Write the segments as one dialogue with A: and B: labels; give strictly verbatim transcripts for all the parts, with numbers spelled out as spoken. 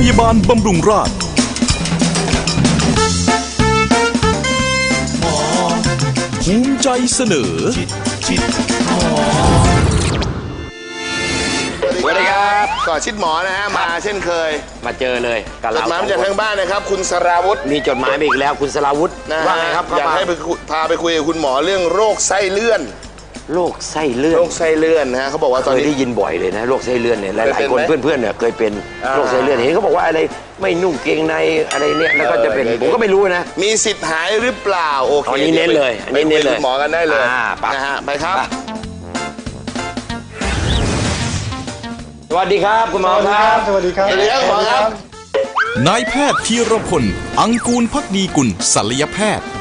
A: ยาบาลบำรุงราษฎร์ภูมิใจเสนอ
B: สวัสดีครับก่อชิดหมอนะฮะมาเช่นเคย
C: มาเจอเลยกับ
B: จ
C: เรา
B: ดหมายมาจากทางบ้านนะครับคุณสราวุธ
C: มีจดหมายมาอีกแล้วคุณสราวุธว่าไงครับ
B: อยากให้ไปพาไปคุยกับคุณหมอเรื่องโรคไส้เลื่อน
C: โรคไส้เลื่อน
B: โรคไส้เลื่อนนะฮะเขาบอกว่าตอนนี้
C: เคยได้ยินบ่อยเลยนะโรคไส้เลื่อนเนี่ยหลายๆคนเพื่อนๆเนี่ยเคยเป็นโรคไส้เลื่อนเห็นเขาบอกว่าอะไรไม่นุ่งเกงในอะไรเนี่ยแล้วก็จะเป็นผมก็ไม่รู้นะ
B: มีสิทธิ์หายหรือเปล่าโอเค
C: อันนี้เน้นเลยอันนี้เน้นเลย
B: หมอกันได้เลยนะฮะไปครับ
C: สวัสดีครับคุณหมอครับ
D: สวัสดีครับ
B: สวัสดีครับหมอครับ
A: นายแพทย์ธีรพลอังกูลภักดีกุลศัลยแพทย์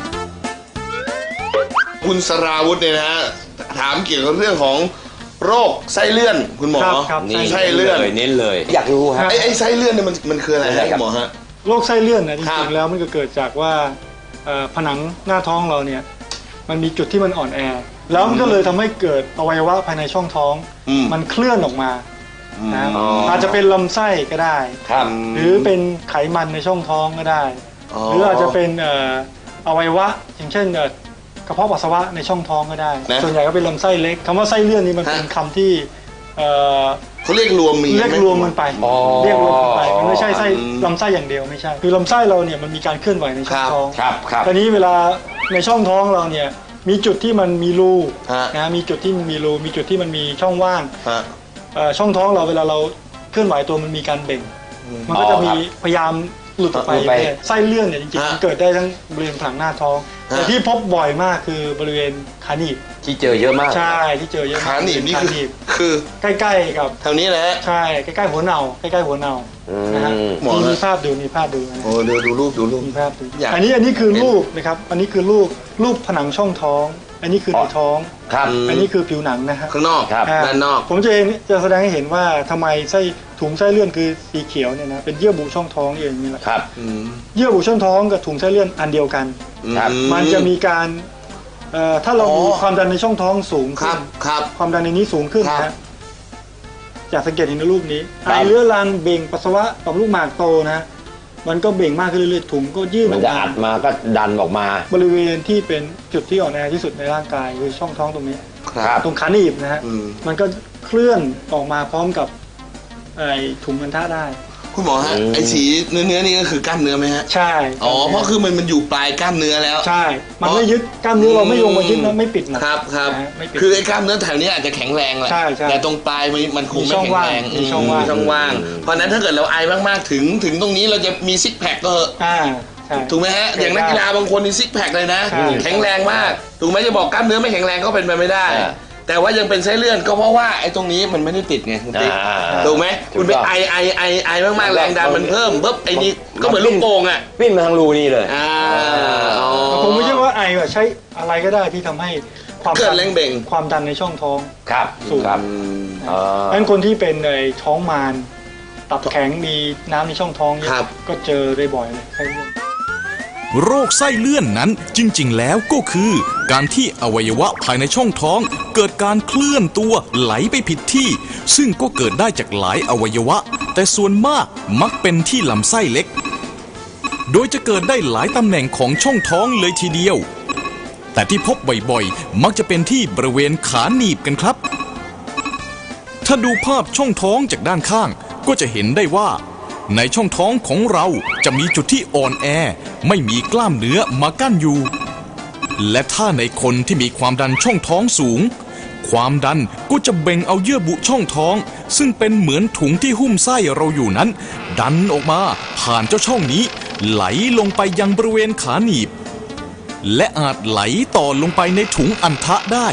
B: คุณสราวุธเนี่ยนะฮะถามเกี่ยวกับเรื่องของโรคไส้เลื่อนคุณหมอ
C: นี่
B: ไส้เลื่อน
C: เน้นเลยอยากรู้ฮะ
B: ไอ้ไอ้ไส้เลื่อนเนี่ยมันมันคืออะไรฮะคุณหมอฮะ
D: โรคไส้เลื่อนเนี่ยจริงๆแล้วมันก็เกิดจากว่าผนังหน้าท้องเราเนี่ยมันมีจุดที่มันอ่อนแอแล้วมันก็เลยทำให้เกิดอวัยวะภายในช่องท้องมันเคลื่อนออกมานะอาจจะเป็นลำไส้ก็ได้หรือเป็นไขมันในช่องท้องก็ได้หรืออาจจะเป็นอวัยวะอย่างเช่นกระเพาะปัสสาวะในช่องท้องก็ได้ส่วนใหญ่ก็เป็นลำไส้เล็กคำว่าไส้เลื่อนนี่มันเป็นคำที่
B: เขาเรียกรวมมี
D: เรียกรวมมันไปเรียกรวมมันไปมันไม่ใช่ไส้ลำไส้อย่างเดียวไม่ใช่คือลำไส้เราเนี่ยมันมีการเคลื่อนไหวในช่องท้องตอนนี้เวลาในช่องท้องเราเนี่ยมีจุดที่มันมีรูนะมีจุดที่มีรูมีจุดที่มันมีช่องว่างช่องท้องเราเวลาเราเคลื่อนไหวตัวมันมีการเบ่งมันก็จะมีพยายามหลุดออกไปไส้เลื่อนเนี่ยจริงๆมันเกิดได้ทั้งบริเวณผนังหน้าท้องแต่ที่พบบ่อยมากคือบริเวณขาหนีบ
C: ที่เจอเยอะมาก
D: ใช่ที่เจอเยอะ
B: ขาหนีบนี่คือคือ
D: ใกล้ๆกับ
B: แถวนี้แหละ
D: ใช่ใกล้ๆหัวเน่าใกล้ๆหัวเน่านะฮะมีภาพดูมีภาพดู
B: โอ้ดูดูรูปดูรูป
D: มีภาพดูอันนี้อันนี้คือรูปนะครับอันนี้คือรูปรูปผนังช่องท้องอันนี้คือในท้องอันนี้คือผิวหนังนะฮะ
B: ข้างนอกด้านนอก
D: ผมจะจะแสดงให้เห็นว่าทำไมไส้ถุงไส้เลื่อนคือสีเขียวเนี่ยนะเป็นเยื่อบุช่องท้องเองนี่แหละ
C: ครับ
D: เยื่อบุช่องท้องกับถุงไส้เลื่อนอันเดียวกันมันจะมีการถ้าเรามีความดันในช่องท้องสูงขึ้นความดันในนี้สูงขึ้นนะอยากสังเกตเห็นในรูปนี้ไอเรื้อรังเบ่งปัสสาวะต่อมลูกหมากโตนะมันก็เบ่งมากขึ้นเรื่อยๆถุงก็ยืด
C: มันจะอัดมาก็ดันออกมา
D: บริเวณที่เป็นจุดที่อ่อนแอที่สุดในร่างกายคือช่องท้องตรงนี้ตรงขาหนีบนะฮะมันก็เคลื่อนออกมาพร้อมกับไอถุงอัณฑะได้
B: คุณหมอฮะไอสีเนื้อเนื้อนี่ก็คือกล้ามเนื้อไหมฮะ
D: ใช่
B: อ๋อเพราะคือมันมันอยู่ปลายกล้ามเนื้อแล้ว
D: ใช่มันไม่ยึดกล้ามเนื้อเราไม่ลงมายึดนะไม่ปิด
B: นะครับครับคือไอ้กล้ามเนื้อแถวนี้อาจจะแข็งแรงแหละแต่ตรงปลายมันคงไม่แข็งแรง
D: มีช่องว่าง
B: ช่องว่างเพราะนั้นถ้าเกิดเราไอมากๆถึงถึงตรงนี้เราจะมีซิกแพคก็ถูกไหมฮะอย่างนักกีฬาบางคนมีซิกแพคเลยนะแข็งแรงมากถูกไหมจะบอกกล้ามเนื้อไม่แข็งแรงก็เป็นไปไม่ได้แต่ว่ายังเป็นไส้เลื่อนก็เพราะว่าไอ้ตรงนี้มันไม่ได้ติดไงคุณติ๊กถูกไหมคุณไปไอไอไอไอมากๆแรงดันมันเพิ่มปุ๊บไอ้นี่ก็เหมือนลูกโป่งอ่ะ
C: วิ่งมาทางรูนี่เลย
D: ผมไม่ใช่ว่าไอใช้อะไรก็ได้ที่ทำให้ความ
B: เกิดแรงเบ่ง
D: ความดันในช่องท้อง
C: ครับ
D: สูงงั้นคนที่เป็นในท้องมารตับแข็งมีน้ำในช่องท้องเยอะก็เจอได้บ่อยเลยไส้เลื่อน
A: โรคไส้เลื่อนนั้นจริงๆแล้วก็คือการที่อวัยวะภายในช่องท้องเกิดการเคลื่อนตัวไหลไปผิดที่ซึ่งก็เกิดได้จากหลายอวัยวะแต่ส่วนมากมักเป็นที่ลำไส้เล็กโดยจะเกิดได้หลายตำแหน่งของช่องท้องเลยทีเดียวแต่ที่พบบ่อยๆมักจะเป็นที่บริเวณขาหนีบกันครับถ้าดูภาพช่องท้องจากด้านข้างก็จะเห็นได้ว่าในช่องท้องของเราจะมีจุดที่อ่อนแอไม่มีกล้ามเนื้อมากั้นอยู่และถ้าในคนที่มีความดันช่องท้องสูงความดันก็จะเบ่งเอาเยื่อบุช่องท้องซึ่งเป็นเหมือนถุงที่หุ้มไส้เราอยู่นั้นดันออกมาผ่านเจ้าช่องนี้ไหลลงไปยังบริเวณขาหนีบและอาจไหลต่อลงไปในถุงอัณฑะได้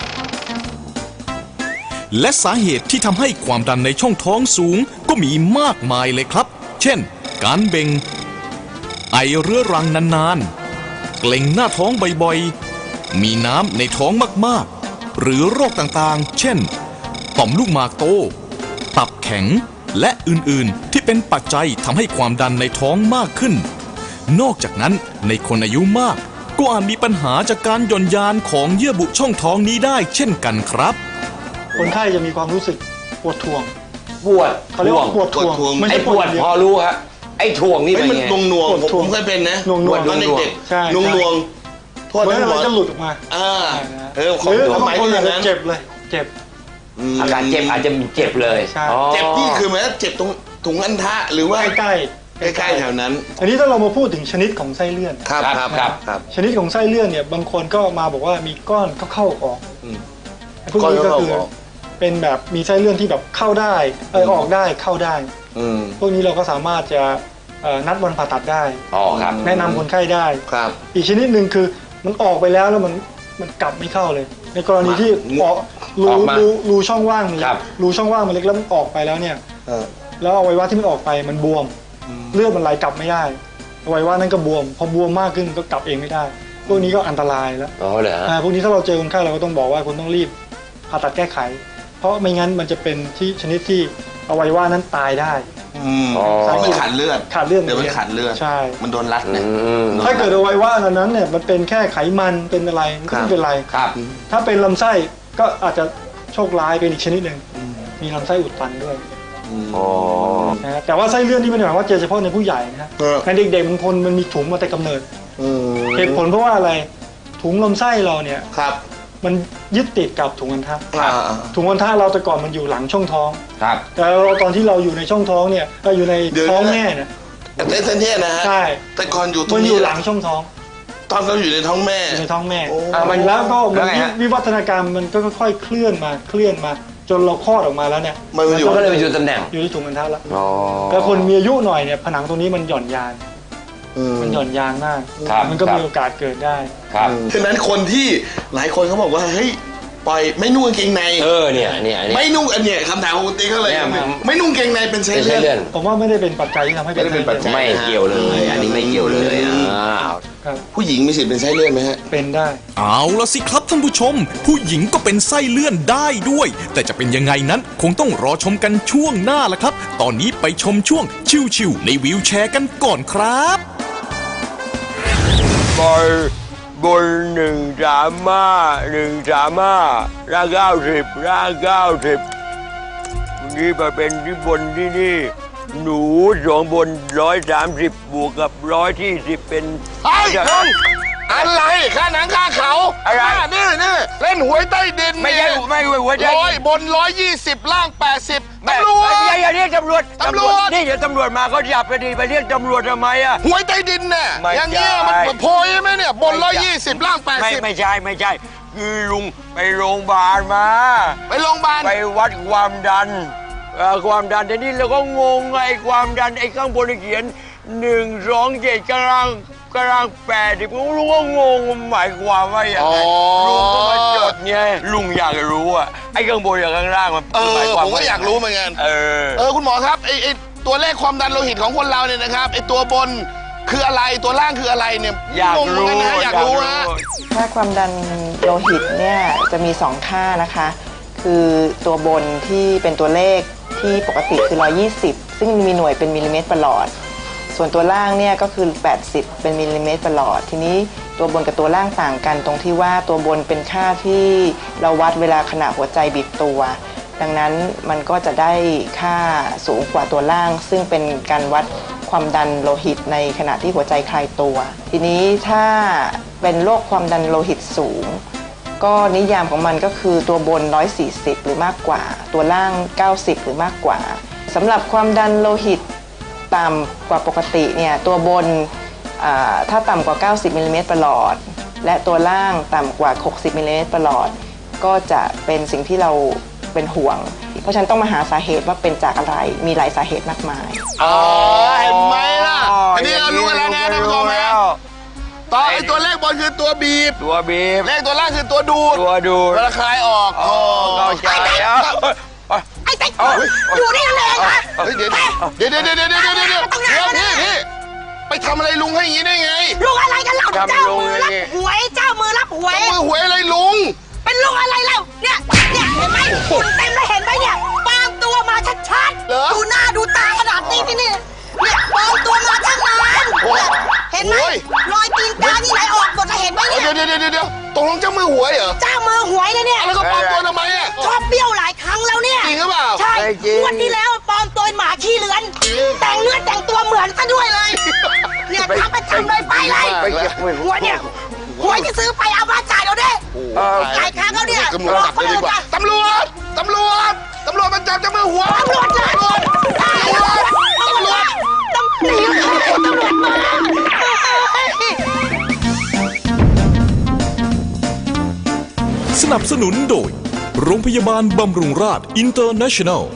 A: และสาเหตุที่ทำให้ความดันในช่องท้องสูงก็มีมากมายเลยครับเช่นการเบ่งไอเรื้อรังนานๆเกร็งหน้าท้องบ่อยๆมีน้ำในท้องมากๆหรือโรคต่างๆเช่นต่อมลูกหมากโตตับแข็งและอื่นๆที่เป็นปัจจัยทำให้ความดันในท้องมากขึ้นนอกจากนั้นในคนอายุมากก็อาจมีปัญหาจากการหย่อนยานของเยื่อบุช่องท้องนี้ได้เช่นกันครับ
D: คนไข้จะมีความรู้สึกปวดท้วง
C: ปวด
D: เขาเรียกว่าปวดถ่วง
B: ปวดถ่วง
D: ไม่
C: ไอ้
D: ใช่
C: ปวด
D: อย่างเดีย
C: พอรู้ฮะไอ้ถ่วงนี่
B: เฮ้ย
C: เป็น
B: มัน
C: ไง
B: นวงนวง
D: ปวด
B: ผม
D: ถ่วง
B: ผมเคยเป็นนะ
D: หน่วงๆ
B: ปวดตอนเด็ก
D: ใช่
B: ๆนวงนวงโทษ
D: เหมือน
B: นะหม
D: เรา
B: อ
D: จะหลุดออกมา
B: อ่าเออ
D: ห
B: ของ
D: รือ
B: ความห
D: บาม
B: าย
D: งคน
B: คืออ
D: อาจ
B: ย่าง
D: จะ
B: นั้น
D: เจ็บเลยเจ็บ
B: ม
C: อาการเจ็บอาจจะเจ็บเลย
D: ใช่
C: อ๋อ
B: เจ็บนี่คือหมายว่าเจ็บตรงถุงอันทะหรือว่า
D: ใกล้
B: ใกล้ๆแถวนั้น
D: อันนี้ถ้าเรามาพูดถึงชนิดของไส้เลื่อน
B: ครับ
C: ค
B: ค
C: รั
B: รั
C: บบ ครับ
B: ครับ
D: ชนิดของไส้เลื่อนเนี่ยบางคนก็มาบอกว่ามีก้อนเข้าเข้าออก
B: อืม
D: ไอ้พวกนี้ก็คือ
B: ก้อนเข้าออก
D: เป็นแบบมีไส้เลื่อนที่แบบเข้าได้เออออกได้เข้าได้
B: อืม
D: พวกนี้เราก็สามารถจะเอ่อนัดวันผ่าตัดได้
C: อ๋อครับ
D: แนะนำคนไข้ได้
B: ครับ
D: อีกชนิดหนึ่งคือมันออกไปแล้วแล้วมันมันกลับไม่เข้าเลย ในกรณีที่ออกรู
C: ออกมา
D: รูรูช่องว่างมันเล็
C: ครั
D: ก
C: บ
D: รูช่องว่างมันเล็กแล้วมันออกไปแล้วเนี่ย
B: เออ
D: แล้วอวัยวะที่มันออกไปมันบวม เลือดมันไหลกลับไม่ได้อวัยวะนั้นก็บวม พอบวมมากขึ้นก็กลับเองไม่ได้ พวกนี้ก็อันตรายแล้ว
C: อ๋อเหรอ
D: อ่าพวกนี้ถ้าเราเจอคนไข้เราก็ต้องบอกว่าคุณต้องรีบผ่าตัดแก้ไข เพราะไม่งั้นมันจะเป็นที่ชนิดที่อวัยวะนั้นตายได้
B: อืม
C: อ๋อ
B: มันขาดเลือด
D: ขาดเลือด
B: เดี๋ยวมันขาดเลือด
D: ใช่
B: มันโดนรัด
C: อื
B: นะ
C: ม
D: ถ้าเกิดอวัยวะอันนั้นเนี่ยมันเป็นแค่ไขมันเป็นอะไรมันก็
B: ครับ
D: ไม่เป็นไร
C: ครับ
D: ถ้าเป็นลำไส้ก็อาจจะโชคร้ายเป็นอีกชนิดหนึ่งมีลำไส้อุดตันด้วย
C: อ๋อ
D: นะฮะแต่ว่าไส้เลื่อนนี่ไม่ได้หมายว่าเจอเฉพาะในผู้ใหญ่นะฮะ
B: เออ
D: ในเด็กๆบางคนมันมีถุงมาแต่กำเนิด
B: อืม
D: เหตุผลเพราะว่าอะไรถุงลำไส้เราเนี่ย
B: ครับ
D: มันยึดติดกับถุงอัณฑะ
B: อ่า
D: ถุงอัณฑะเราแต่ก่อนมันอยู่หลังช่องท้อง
C: ครับ
D: แต่เราตอนที่เราอยู่ในช่องท้องเนี่ยเราอยู่ใน
B: เดี๋ยว
D: ท้อง
B: นะ
D: แม่เนี่ย
B: แต่เส้นเทียนะฮะ
D: ใช่
B: แต่ก่อนอยู่ตร
D: มั
B: ง
D: นอ
B: นี้
D: ยู่หลังช่องท้อง
B: ตอนเราอยู่ในท้องแม่
D: อยู่ในท้องแม่
B: โอ้
C: อ่ามัน
D: แล้วก็มั
C: แล้
D: น
C: วไงฮะ
D: วิวัฒนาการมันก็ค่อยๆเคลื่อนมาเคลื่อนมา จนเราคลอดออกมาแล้วเนี่ย
B: มันอยู่
C: ก็เลยไปอยู่ตำแหน่ง
D: อยู่ที่ถุงอัณฑะแล้ว
C: อ๋อ
D: แล้วคนมีอายุหน่อยเนี่ยผนังตรงนี้มันหย่อนยาน
B: อืม
D: มันหย่อนยานมาก
C: ครับ
D: มันก็
C: ครับ
D: มีโอกาสเกิดได้
C: ครับ
B: ฉะนั้นคนที่หลายคนเขาบอกว่าเฮ้ยปล่อยไม่นุ่งกางเกงใน
C: เออเนี่ยเนี่ยเนี่ย
B: ไม่นุ่งอันเนี้ยคำถามของคุณติ๊กเขาเลย
C: เนี่ยมัน
B: ไม่นุ่งกางเกงในเป็นไส้
C: เป็นไส้
B: เลื่
C: เลื่
B: อ
C: อน น
D: ผมว่าไม่ได้เป็นปัจจัยที่ทำให้เป็น
B: ไม่ได้เป็นปัจจัย
C: ไม่เกี่ยวเลย อันนี้ไม่เกี่ยวเลยอ้าว
D: ครับ
B: ผู้หญิงมีสิทธิ์เป็นไส้เลื่อนไหมฮะ
D: เป็นได้
A: เอาละสิครับท่านผู้ชม ผู้หญิงก็เป็นไส้เลื่อนได้ด้วย แต่จะเป็นยังไงนั้นคงต้องรอชมกันช่วงหน้าละครับ ตอนนี้ไปชมช่วงชิวๆในวีลแชร์กันก่อนครับ
E: บอลบนหนึ่งสามห้าหนึ่งสามห้าร่างเก้าสิบร่างเก้าสิบวันนี้มาเป็นที่บนที่นี่ หนูสองบนร้อยสามสิบบวกกับร้อยที่สิบเป็น
B: เฮ้ยลุงอะไรค่าหนังค่าเขา
E: อะไร
B: ค่านี่นี่เล่นหวยใต้ดิน
E: ไม่ใช่
B: เนี่ย
E: ไม่ใช่หัวใจ
B: ร้อยบนร้อยยี่สิบล่างแปดสิบ
E: แม่
B: ตำรวจ
E: อย่าอย่าเรียกตำรวจ
B: ตำรวจ
E: นี่เดี๋ยวตำรวจมาก็จับไปดีไปเรียกตำรวจทำไมอ่ะ
B: หวยใต้ดินเนี่ย
E: ไม่
B: อย่างเงี้ย
E: ใช่
B: มันโพยใช่ไหมเนี่ยบนร้อยยี่สิบล่างแปด
E: ไม่
B: สิบ
E: ไม่ใช่ไม่ใช่ คือลุงไปโรงพยาบาลมา
B: ไปโรงพยาบาล
E: ไปวัดความดันเอ่อความดันทีนี้เราก็งงไอ้ความดันไอ้ข้างบนเขียนหนึ่งสองเจ็ดกำลังกำลังแปดดิผมรู้ว่างงหมายความว่าอย่างไรลุงก็มาจดไงลุงอยากรู้อ่ะไอ้ข้างบนกับข้างล่างมัน
B: เอ
E: ห
B: อ
E: มายความ
B: ผม
E: ว่า
B: ก็อยากรู้เหมือนกัน
E: เออ
B: เออคุณหมอครับไอไอตัวเลขความดันโลหิตของคนเราเนี่ยนะครับไอตัวบนคืออะไรตัวล่างคืออะไรเนี่ย
E: อยาก
B: งงเหมือน
E: รู้
B: กันนะฮะอยากรู้ฮะ
F: ค่าความดันโลหิตเนี่ยจะมีสองค่านะคะ คือตัวบนที่เป็นตัวเลขที่ปกติคือหนึ่งร้อยยี่สิบซึ่งมีหน่วยเป็นมิลลิเมตรประหลอด ส่วนตัวล่างเนี่ยก็คือแปดสิบเป็นมิลลิเมตรประหลอด ทีนี้ตัวบนกับตัวล่างต่างกันตรงที่ว่าตัวบนเป็นค่าที่เราวัดเวลาขณะหัวใจบีบตัว ดังนั้นมันก็จะได้ค่าสูงกว่าตัวล่าง ซึ่งเป็นการวัดความดันโลหิตในขณะที่หัวใจคลายตัว ทีนี้ถ้าเป็นโรคความดันโลหิตสูง ก็นิยามของมันก็คือตัวบนหนึ่งร้อยสี่สิบหรือมากกว่า ตัวล่างเก้าสิบหรือมากกว่าสำหรับความดันโลหิตต่ำกว่าปกติเนี่ยตัวบนอ่าถ้าต่ำกว่าเก้าสิบมิลลิเมตรประหลอดและตัวล่างต่ำกว่าหกสิบมิลลิเมตรประหลอดก็จะเป็นสิ่งที่เราเป็นห่วง เพราะฉะนั้นต้องมาหาสาเหตุว่าเป็นจากอะไรมีหลายสาเหตุมากมาย
B: อ๋อเห็นไหมล่ะอันนี้เรารู้กันแล้วนะท่านผู้ชมฮะต่อไอตัวเลขบนคือตัวบีบ
E: ตัวบีบ
B: เลขตัวล่างคือตัวดูด
E: ตัวดูด
B: เวลาคลายออก
E: อ๋อเข้าใจแล้ว
G: ไอ้ติ๊กอยู่นี่นั่นเองค่ะ
B: เฮ้ยเดี๋ยวเดี๋ยวเดี๋ยวเดี๋ยวเดี๋ยวเดี๋ยวเดี๋ยวเดี๋ยวเดี๋ยวพี่พี่ไปทำอะไรลุงให้อย่างนี้ได้ไง
G: ลุงอะไรกันเล่า
E: ทำ
G: เจ้า
E: ลุง
G: มือ
E: เล
G: รับ
E: ย
G: หวยเจ้ามือรับหวย
B: มือหวยอะไรลุง
G: เป็นลุงอะไรเล่าเนี่ยเนี่ยเห็นไหมคุณเต็มเลยเห็นไหมเนี่ยปลอมตัวมาชัด
B: เหรอ
G: ๆดูหน้าดูตาขนาดนี้ที่นี่เนี่ยปลอมตัวมาตั้งนานเนี่ยเห็นไหม
B: โอ้ย
G: รอยตีนกานี่ไหลออกหมดเลยเห็นไหม
B: เดี๋
G: เนี่ย
B: วยเดี๋ยวเดี๋ยวเดี๋ยวตกลงเจ้ามือหวยเหรอ
G: เจ้ามือหวยนะเนี่ย
B: แล้วก็ปลอมตัวทำไมอ่ะ
G: ชอบเบี้ยวหลายครั้งแล้วเนี่ย
B: จริงหรือเปล่าเปล่า
G: ใช่งวันที่แล้วปลอมตัวเป็นหมาขี้เลือน แต่งเนื้อแต่งตัวเหมือนซะด้วยเลย เนี่ยทำประจำเลยไปเลย
C: ไปเก็บไว้
G: หัวเนี่ยหัวที่ซื้อไปเอามาจ่ายเราดิจ่ายค่าเขาเนี่ย
B: ตำรวจ
G: บอก
B: จับ
G: คน
B: เลยดี
G: อื่น
B: กว่า
G: นะ
B: ตำรวจตำรวจตำรวจมันจับจะมือหัว
G: ตำรวจเลยตำรวจตำรวจต้องหนีตำรวจมา
A: สนับสนุนโดย โรงพยาบาลบำรุงราษฎร์อินเตอร์เนชั่นแนล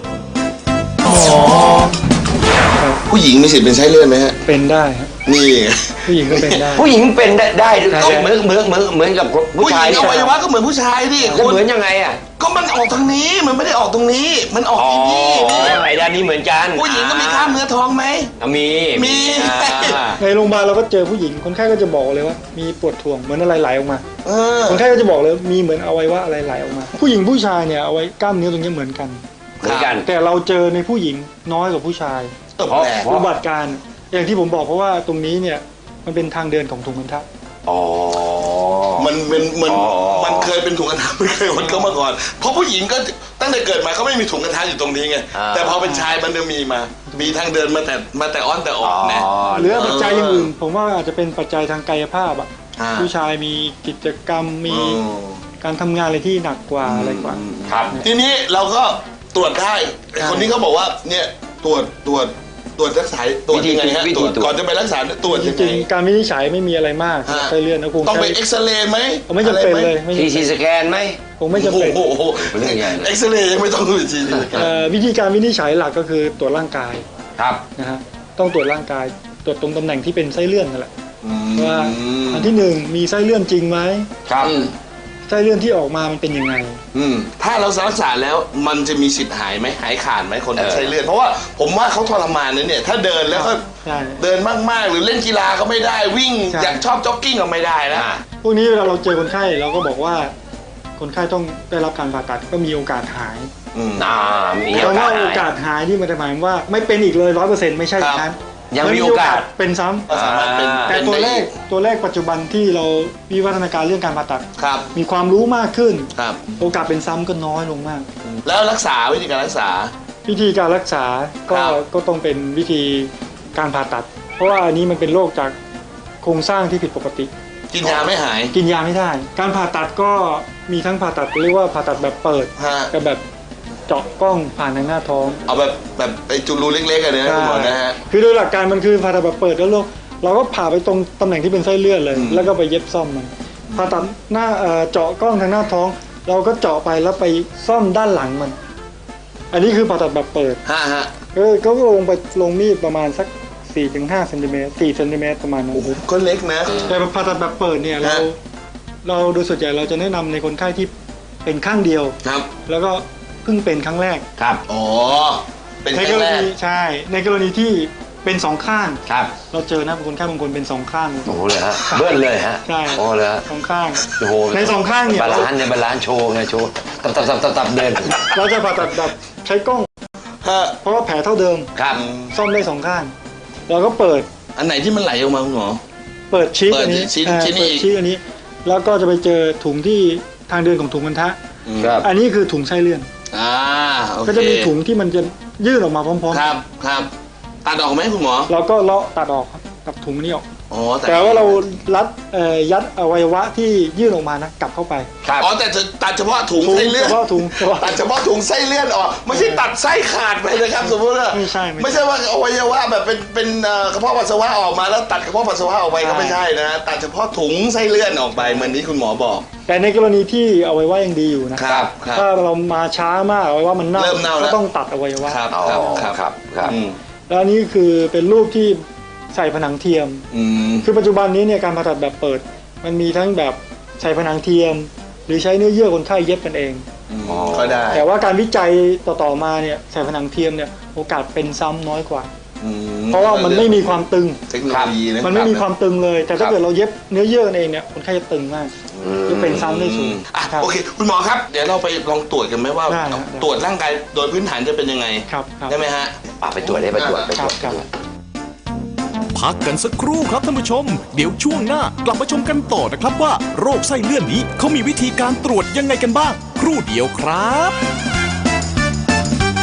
B: ผู้หญิงมีสิทธิ์เป็นไส้เลื่อนไหมฮะ
D: เป็นได้ครับ
B: นี่
D: ผู้หญิงก็เป็นได้
C: ผู้หญิงเป็นได้ได้
D: ใช่
C: เหมือนเหมือนเหมือนเหมือนกับผู้
B: ผู้ห
C: ชา
B: ญิ
C: ย
B: งอวัยวะก็เหมือนผู้ชายดิ
C: แล้ว
B: คุณ
C: เหมือนยังไงอ่ะ
B: ก็มันออกทางนี้มันไม่ได้ออกตรงนี้ มันออก
C: อ๋อ
B: ที่นี่นี่
C: ไอ้ด้านนี้เหมือนกัน
B: ผู้หญิงก็มีกล้ามเนื้อท้องไหม
C: อ่ะมี
B: มี
C: อ่า
D: ในโรงพยาบาลเราก็เจอผู้หญิงคนไข้ก็จะบอกเลยว่ามีปวดถ่วงเหมือนอะไรไหลออกมา
B: เออ
D: คนไข้ก็จะบอกเลยมีเหมือนอวัยวะอะไรไหลออกมา ผู้หญิงผู้ชายเนี่ยเอาไว้กล้ามเนื้อตรงนี้เหมือนกัน
C: เหมือนกัน
D: แต่เราเจอในผู้หญิงน้อยกว่าผู้ชาย
B: ตบแหลก
C: เพราะ
D: อุบัติการณ์อย่างที่ผมบอกเพราะว่าตรงนี้เนี่ยมันเป็นทางเดินของถุงพันธะ
C: อ๋อ
B: มันเป็นมัน
C: อ๋อ
B: มันเคยเป็นถุงกระทะไม่เคยมันเข้ามาก่อน เพราะผู้หญิงก็ตั้งแต่เกิดมาเขาไม่มีถุงกระทะอยู่ตรงนี้ไง แต่พอเป็นชายมันจะมีมา มีทางเดินมาแต่มาแต่อ้อนแต่ออกนะ
D: หรือปัจจัยอย่างอื่น ผมว่าอาจจะเป็นปัจจัยทางกายภาพอ่ะ
B: อ่า
D: ผู้ชายมีกิจกรรมมี
B: อืม
D: การทำงานอะไรที่หนักกว่าอะไรกว่า
C: ครับ
B: ทีนี้เราก็ตรวจได้ไอ้คนนี้เขาบอกว่าเนี่ยตรวจตรวจตรวจรักษาตรวจยังไงฮะ
C: วิธี
B: ตรวจ
C: ตรวจ
B: ก่อนจะไปรักษาตรวจ
D: จ
B: ยังไง
D: ริงๆการวินิจฉัยไม่มีอะไรมากสำหรับ
B: ฮะ
D: ไส้เลื่อนนะคง
B: ต้องไป
D: ใช้
B: เอ็กซเรย์ไหม
D: ไม่จำเป็นเลย
B: อะไรไหม
D: ไม่
C: ที
D: จำ
C: ซี
D: เป็น
C: สแกนไหม
D: คงไม่จำเป็น
B: โอ้โห
C: เป็นเรื่องใหญ่เลย
B: เอ็กซเรย์ยังไม่ต้องดูทีนึง
D: เอ่อวิธีการวินิจฉัยหลักก็คือตรวจร่างกาย
C: ครับ
D: นะฮะต้องตรวจร่างกายตรวจตรงตำแหน่งที่เป็นไส้เลื่อนนั่นแหละว่าอันที่หนึ่งมีไส้เลื่อนจริงไหม
C: ครับ
B: อืม
D: ไส้เลื่อนที่ออกมามันเป็นยังไง
B: อืมถ้าเรารักษาแล้วมันจะมีสิทธิ์หายไหมหายขาดไหมคน
C: เออ
B: ไส้เลื่อนเพราะว่าผมว่าเขาทรมานนะเนี่ยถ้าเดินแล้วก็
D: ใช่
B: เดินมากๆ หรือเล่นกีฬาก็ไม่ได้วิ่ง
D: ใช่
B: อยากชอบจ็อกกิ้งก็ไม่ได้นะ
C: อ่า
D: พวกนี้เวลาเราเจอคนไข้เราก็บอกว่า คนไข้ต้องได้รับการผ่าตัดก็มีโอกาสหาย
B: อืม
C: อ่ามี
D: แต่
C: โอกา
D: ว่า
C: ส
D: โอกา
C: หาย
D: สหายที่มันจะหมายความว่าไม่เป็นอีกเลยร้อยเปอร์เซ็นต์ไม่ใช่อย่างนั้น
C: ยังมีโอกาส
D: เป็นซ้ำ
B: ก็สามารถเป็น
C: อ่า
D: แต่
B: เป็น
D: ตัว
B: ได้
D: เล
B: อี
D: ข
B: ก
D: ตัวเลขปัจจุบันที่เราวิวัฒนาการเรื่องการผ่าตัด
B: ครับ
D: มีความรู้มากขึ้น
B: ครับ
D: โอกาสเป็นซ้ำก็น้อยลงมาก
B: แล้วรักษาวิธีการรักษา
D: วิธีการรักษาก็
B: ครับ
D: ก็ต้องเป็นวิธีการผ่าตัด เพราะว่าอันนี้มันเป็นโรคจากโครงสร้างที่ผิดปกติ
B: กินยาไม่หาย
D: กินยาไม่ได้ การผ่าตัดก็มีทั้งผ่าตัดเรียกว่าผ่าตัดแบบเปิด
B: ฮะ
D: กับแบบเจาะกล้องผ่านทางหน้าท้อง
B: เอาแบบแบบไอ้จุลูเล็กๆกันเนี่ยนะคุณหมอนะฮะ
D: คือโดยหลักการมันคือผ่าตัดแบบเปิดแล้วเราเราก็ผ่าไปตรงตำแหน่งที่เป็นไส้เลื่อนเลย
B: อืม
D: แล้วก็ไปเย็บซ่อมมันผ่าตัดหน้าเอ่อเจาะกล้องทางหน้าท้อง เราก็เจาะไปแล้วไปซ่อมด้านหลังมัน อันนี้คือผ่าตัดแบบเปิด
B: ฮะฮะ
D: ก็ก็ลงไปลงมีดประมาณสัก สี่ถึงห้าเซนติเมตรสี่เซนติเมตรประมาณนั้น
B: โอ้โหก็เล็กนะ
D: แต่ผ่าตัดแบบเปิดเนี่ยเรา
B: ฮะ
D: เราโดยส่วนใหญ่เราจะแนะนำในคนไข้ที่เป็นข้างเดียว
B: ครับ
D: แล้วก็เพิ่งเป็นครั้งแรก
C: ครับ
B: อ๋อ เป็น
D: ใน
B: ครั้
D: ก
B: ง
D: ร
B: แรก
D: ณีใช่ ในกรณีที่เป็นสองข้าง
C: ครับ
D: เราเจอนะคนไข้บางคนเป็นสองข้าง
C: โอ้โหเลยฮะ เบิ้ลเลยฮะ
D: ใช่
C: โอ้เลยฮะ
D: สองข้าง
C: โอ้โห
D: ในสองข้างเนี่ย
C: บาลานซ์เนี่ยบาลานซ์โชว์ไงโชว์ตับตับตับตับตับเดิน
D: เราจะผ่าตัดแบบใช้กล้อง
B: ฮะ
D: เพราะว่าแผลเท่าเดิม
C: ครับ
D: ซ่อมได้สองข้าง เราก็เปิด
B: อันไหนที่มันไหลออกมาคุณหมอ
D: เปิดชี้
B: เปิด
D: อันนี้
B: ชิ้น
D: อ่า
B: ชิ้นนี้
D: เปิดชี้อันนี้ แล้วก็จะไปเจอถุงที่ทางเดินของถุงพันธะ
C: ครับ
D: อันนี้คือถุงไส้เลื่อน
B: อ่าโอเค
D: ก็จะมีถุงที่มันจะยื่นออกมาพร้อม
B: ครับครับตัดออกไหมคุณหมอ
D: ๆเราก็เลาะตัดออกครับตัดถุงนี้ออก
B: อ๋อ
D: แต่ว่าเรารัดเอ่อยัดอวัยวะที่ยื่นออกมานะกลับเข้าไป
C: ครับ
B: อ๋อแต่จะตัดเฉพาะถุง
D: ถุง
B: ไส้เลื่อน
D: เฉพาะถุงเฉพาะ
B: ตัดเฉพาะถุงไส้เลื่อนออกไม่ใช่ตัดไส้ขาดไปนะครับสมมติว่า
D: ไม่ใช่ไม่ใช่
B: ไม่ใช่ว่าอวัยวะแบบเป็นเป็นเอ่อกระเพาะปัสสาวะออกมาแล้วตัดกระเพาะปัสสาวะออกไปก็ไม่ใช่นะตัดเฉพาะถุงไส้เลื่อนออกไปเหมือนที่คุณหมอบอก
D: แต่ในกรณีที่อวัยวะยังดีอยู่นะครับ
B: ครับ
D: ถ้าเรามาช้ามากอวัยวะมันเน่า
B: เริ่มเน่าแล้ว
D: ก็ต้องตัดอวัยวะ
B: ครับ
C: อ๋อ
B: ครับ
C: ครับครับ
B: อืม
D: แล้วอันนี้คือเป็นรูปที่ใส่ผนังเทียม
B: อืม
D: คือปัจจุบันนี้เนี่ยการผ่าตัดแบบเปิด มันมีทั้งแบบใส่ผนังเทียม หรือใช้เนื้อเยื่อคนไข้เย็บกันเอง
B: อ๋อก็ได้
D: แต่ว่าการวิจัยต่อๆมาเนี่ยใส่ผนังเทียมเนี่ยโอกาสเป็นซ้ำน้อยกว่า
B: อื
D: เพราะว่ามันไม่มีความตึง
B: เทคโนโลยีนะ
D: มันไม่มีความตึงเลย แต่ถ้า
B: ครับ
D: เกิดเราเย็บเนื้อเยื่อกันเองเนี่ยคนไข้จะตึงมากจะเป็นซ้ำได้สูง
B: อ่ะ
D: ครับ
B: โอเค คุณหมอครับ เดี๋ยวเราไปลองตรวจกันไหมว่า
D: ได้ครับ
B: ตรวจร่างกายโดยพื้นฐานจะเป็นยังไง
D: ครับครับ
B: ได้ไหมฮะ
C: อ่ะไปตรวจได้ไปตรวจไปตรวจ
D: ครับ
A: พักกันสักครู่ครับท่านผู้ชม เดี๋ยวช่วงหน้ากลับมาชมกันต่อนะครับว่าโรคไส้เลื่อนนี้เขามีวิธีการตรวจยังไงกันบ้าง ครู่เดียวครับ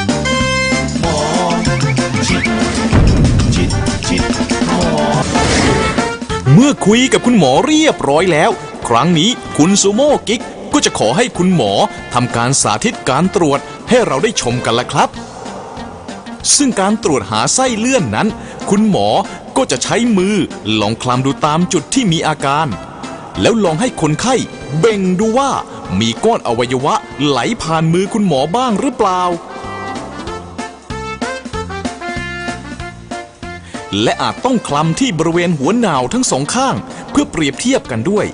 A: เมื่อคุยกับคุณหมอเรียบร้อยแล้ว ครั้งนี้คุณซูโม่กิ๊กก็จะขอให้คุณหมอทำการสาธิตการตรวจให้เราได้ชมกันละครับ ซึ่งการตรวจหาไส้เลื่อนนั้น คุณหมอก็จะใช้มือลองคลำดูตามจุดที่มีอาการ แล้วลองให้คนไข้เบ่งดูว่ามีก้อนอวัยวะไหลผ่านมือคุณหมอบ้างหรือเปล่า และอาจต้องคลำที่บริเวณหัวหนาวทั้งสองข้างเพื่อเปรียบเทียบกันด้วย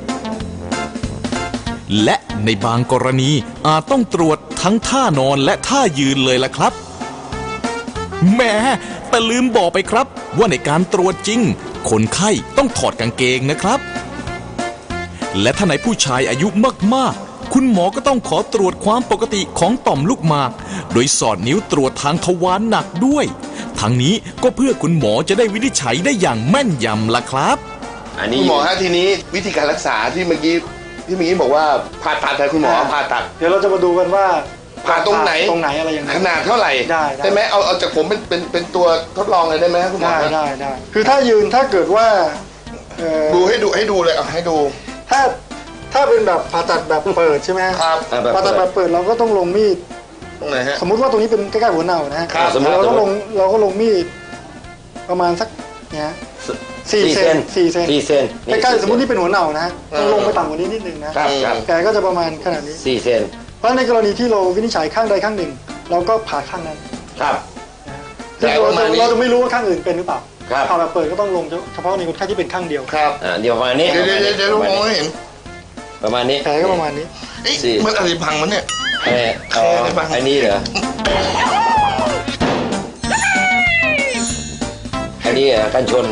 A: และในบางกรณีอาจต้องตรวจทั้งท่านอนและท่ายืนเลยล่ะครับแหม้แต่ลืมบอกไปครับว่าในการตรวจจริงคนไข้ต้องถอดกางเกงนะครับ และถ้าในผู้ชายอายุมากๆคุณหมอก็ต้องขอตรวจความปกติของต่อมลูกหมากโดยสอดนิ้วตรวจทางทวารหนักด้วยทั้งนี้ก็เพื่อคุณหมอจะได้วินิจฉัยได้อย่างแม่นยำล่ะครับ
C: อันนี้
B: คุณหมอฮะทีนี้วิธีการรักษาที่เมื่อกี้ที่เมื่อกี้บอกว่าผ่าตัดแต่คุณหมอผ่าตัด
D: เดี๋ยวเราจะมาดูกันว่า
B: ผ่าตรงไหน
D: ตรงไหนอะไรยังไง
B: ขนาดเท่าไหร่
D: ได้ได้
B: ได้ไหมเอาเอาจากผมเป็นเป็นเป็นตัวทดลองเลยได้ไหมคุณหมอ
D: ได้ได้ได้คือถ้ายืนถ้าเกิดว่าเอ่อ
B: ดูให้ดูให้ดูเลยเอาให้ดู
D: ถ้าถ้าเป็นแบบผ่าตัดแบบเปิดใช่ไหม
B: ครับ
C: อ่ะแบบ
D: ผ่าตัดแบบเปิดเราก็ต้องลงมีด
B: ตรงไหนฮะ
D: สมมุติว่าตรงนี้เป็นใกล้ๆหัวเน่านะฮะ
B: ครับ
C: สมมุติ
D: เราก็ลงเราก็ลงมีดประมาณสักเนี้ย สี่เซนสี่เซน
C: สี่เซน
D: ใกล้ๆสมมตินี่เป็นหัวเน่านะฮะต้องลงไปต่ำกว่านี้นิดนึงนะครับ
C: ครับ
D: แผลก็จะประมาณขนาดนี้
C: สี่เซน
D: เพราะในกรณีที่เราวินิจฉัยข้างใดข้างหนึ่ง เราก็ผ่าข้างนั้น
C: ครับ
D: ซึ่งเราจะเราจะไม่รู้ว่าข้างอื่นเป็นหรือเปล่า
C: ครับ
D: ผ่าแบบเปิดก็ต้องลงเฉพาะในคนไข้ที่เป็นข้างเดียว
B: ครับ
C: อ่าเดี๋ยวประมาณนี้
B: เดี๋ยวเดี๋ยวเดี๋ยวเดี๋ยวมองไม่เห็น
C: ประมาณนี้
D: แผลก็ประมาณนี้
B: เอ๊ะ
C: สี่
B: มันอะไรพังมันเนี่ย
C: เอ่ออ๋อ
B: แค่ได้บ้าง
C: อันนี้เหรออันนี้เหรอกันชน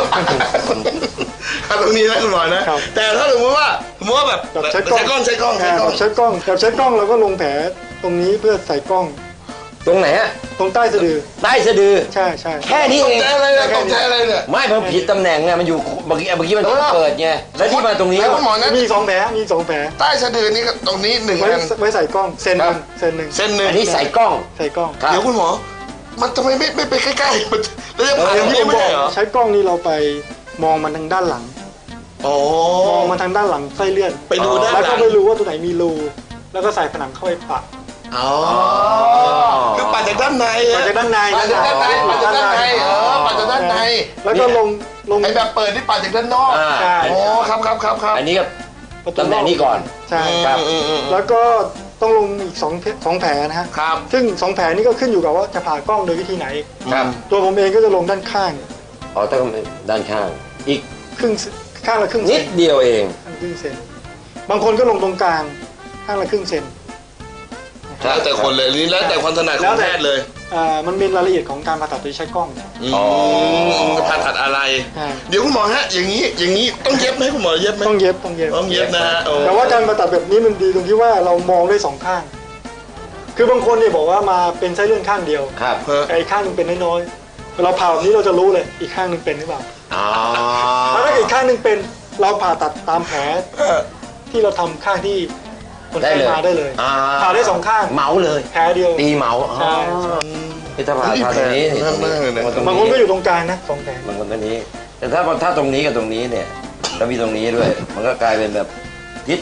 B: เอาตรงนี้นะคุณหมอนะ
D: ครับ
B: แต่ถ้าสมมติว่าสมมติว่าแบบ
D: แบบใช้กล้อง
B: ใช้กล้องใช้กล้องใช้
D: อ่าก
B: ล้อง
D: แบบใช้กล้องแบบใช้กล้องเราก็ลงแผลตรงนี้เพื่อใส่กล้อง
C: ตรงไหนฮะ
D: ตรงใต้สะดือ
C: ใต้สะดือ
D: ใช่ใช่
C: แค่นี้
B: ต
C: เอก ง
B: ใจอะไรเนี่ยตกใจอะไรเนี่ย
C: ไม่มันผิดตำแหน่งไงมันอยู่เมื่อกี้เมื่อกี้มัน
B: เออ
C: เปิดไงแล้วที่มาตรงนี้
B: แล้วคุณหมอนะ
D: มีสองแผลมีสองแผล
B: ใต้สะดือนี่ก็ตรงนี้หนึ่ง
D: ไว้
B: อัน
D: ไว้ใส่กล้องเซนห
B: ครั
D: นึ่
B: บ
D: งเซนหนึ่ง
B: เส้นหนึ่ง
C: อันนี้ใส่กล้อง
D: ใส่กล้อง
C: ครับ
B: เดี๋ยวคุณหมอ มันทำไมไม่ไม่ไปใกล้ๆมันแล้วจะผ่า
D: อ
B: ตร
D: ย่าง
B: ง
D: ที่
B: นี้
D: ผม
B: ไม่
D: บอ
B: ใช่
D: ก
B: เหรอ
D: ใช้กล้องนี่เราไปมองมันทางด้านหลัง
B: โอ้
D: มองมาทางด้านหลังไส้เลื่อน
B: ไปดูด้านห
D: แล้ว
B: ลั
D: ก็
B: ง
D: ไม่รู้ว่าตัวไหนมีรูแล้วก็ใส่ผนังเข้าไปปะ
B: อ๋อคือปัดจากด้านใน
D: ปัดจากด้านใน
B: ปัดจากด้านในปัดจากด้านในเออปัดจากด้านใน
D: แล้วก็ลงลง
B: ไอ้แบบเปิดที่ปัดจากด้านนอก
C: อ่า
D: ใช่
B: โอ้ครับครับครับครับ
C: อันนี้ก็
D: ประ
C: ตำแหน่งนี้ก่อน
D: ใช่
C: ครับ
B: อืมอืมอืม
D: แล้วก็ต้องลงอีกสองแผลสองแผลนะฮะ
B: ครับ
D: ซึ่งสองแผลนี้ก็ขึ้นอยู่กับว่าจะผ่ากล้องโดยวิธีไหน
C: ครับ
D: ตัวผมเองก็จะลงด้านข้าง
C: อ๋อต้องด้านข้าง อีก
D: ครึ่งข้างละครึ่งเซ
C: นิ
D: น
C: ดเดียวเอง
D: ข้างละครึ่งเซนบางคนก็ลงตรงกลางข้างละครึ่งเซน
B: แล้วแต่คนเลยนี่แล้วแต่ความถนัดของแพทย์เลย
D: อ่ามันเป็นรายละเอียดของการผ่าตัดโดยใช้กล้อง
C: อ๋อ
B: ผ่าตัดอะไร
D: ใช่
B: เดี๋ยวคุณหมอฮะ อย่างนี้อย่างนี้ต้องเย็บไหมคุณหมอเย็บไหม
D: ต้องเย็บต้องเย็บ
B: ต้องเย็บนะฮะโอ้
D: แต่ว่าการผ่าตัดแบบนี้มันดีตรงที่ว่าเรามองได้สองข้าง คือบางคนเนี่ยบอกว่ามาเป็นไส้เลื่อนข้างเดียว
C: ครับ
B: เออ
D: แต่อีกข้างหนึงเป็นน้อยๆเราผ่าแบบนี้เราจะรู้เลยอีกข้างหนึงเป็นหรือเปล่า
C: อ๋อ
D: แล้วถ้าอีกข้างหนึงเป็นเราผ่าตัดตามแผลที่เราทำข้างที่คน
C: ได้
D: ไข้
C: เลย
D: มาได้เลย
C: อ่
D: ผ่าได้สองข้าง
C: เหมาเลย
D: แผลเดียว
C: ตีเหมาอ๋อ
D: ใช่
C: นี่ถ้าผ่าผ่าตรงนี้นี่ตรงนี้ตรง
D: บางคนก็อยู่ตรงกลางนะสองแผล
C: บางคนตรงนี้ แต่ถ้าถ้าตรงนี้กับตรงนี้เนี่ยแล้วมีตรงนี้ด้วย มันก็กลายเป็นแบบยิด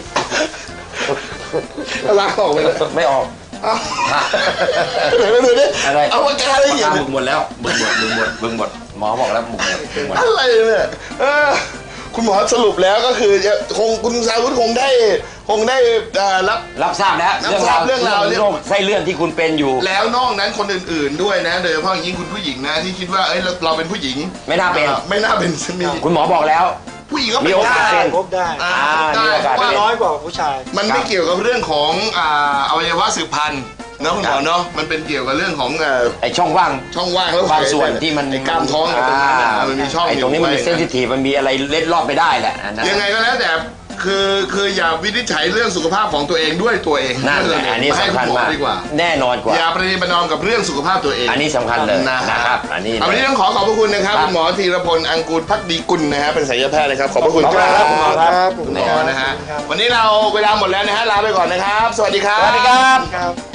B: ลากออกไปเลย
C: ไม่ออก
B: เอ้า
C: ฮะ
B: ไหนมาดูดิ
C: อะไร
B: เอาปากกาอะไรเขียน
C: บึกหมดแล้วบึกหมดบึกหมดบึกหมดหมอบอกแล้วบึกหมดบึกหมด
B: อะไรเนี่ยเออคุณหมอสรุปแล้วก็คือคงคุณสาวุธคงได้คงได้เอ่อรับ
C: รับทราบแล้ว
B: รับทราบเรื่องราว
C: โรคไส้เลื่อนที่คุณเป็นอยู่
B: แล้วนอกนั้นคนอื่นๆด้วยนะ โดยเฉพาะอย่างยิ่งคุณผู้หญิงนะที่คิดว่าเอ้ยเราเราเป็นผู้หญิง
C: ไม่น่าเป็น
B: อ่ไม่น่าเป็นมี
C: คุณหมอบอกแล้ว
B: ผู้หญิงก็
C: มี
B: เป็น
C: โอกาส
B: ได้
C: เป็น
D: พบได้
B: อ่า
C: อ่า
B: ได้
C: มีโอกาส
B: เพราะว่า
D: น้อยกว่าผู้ชาย
B: มันไม่เกี่ยวกับเรื่องของอ่าอวัยวะสืบพันธุ์นะคุณหมอเนาะมันเป็นเกี่ยวกับเรื่องของเอ่อ
C: ไอช่องว่าง
B: ช่องว่างแล้ว
C: บางส่วนที่มัน
B: ไอ้กล้ามท้องอะไรตรงนั้นน่ะมันมีช่อง
C: ไอ
B: อยู่
C: ตรงนี้มันมี
B: ไว้
C: เซนซิทีฟมันมีอะไรเล็ดลอดไปได้แหละอันนั้น
B: ยังไงก็แล้วแต่คือคืออย่าวินิจฉัยเรื่องสุขภาพของตัวเองด้วยตัวเอง
C: นั่นแหละอันนี้
B: ให้
C: สำคัญ
B: ณหอ
C: มาก
B: ดีกว่า
C: แน่นอนกว่า
B: อย่าประนีประนอมกับเรื่องสุขภาพตัวเอง
C: อันนี้สำคัญเลย
B: นะ
C: นะครับอันนี้
B: เอาวันนี้ต้องขอขอบพระคุณนะครับ
C: ครับ
B: คุณหมอธีรพลอังกูลพักดีกุลนะฮะเป็นศัลยแพทย์นะครับขอบพระคุณ
C: ขอบ
B: ค
C: คุณ
B: รับ
C: ครับคุณหมอครับ
B: คุณหมอนะฮะวันนี้เราเวลาหมดแล้วนะฮะลาไปก่อนนะครับ สวัสดีครับ
C: สวัสดีครับ
D: ครับ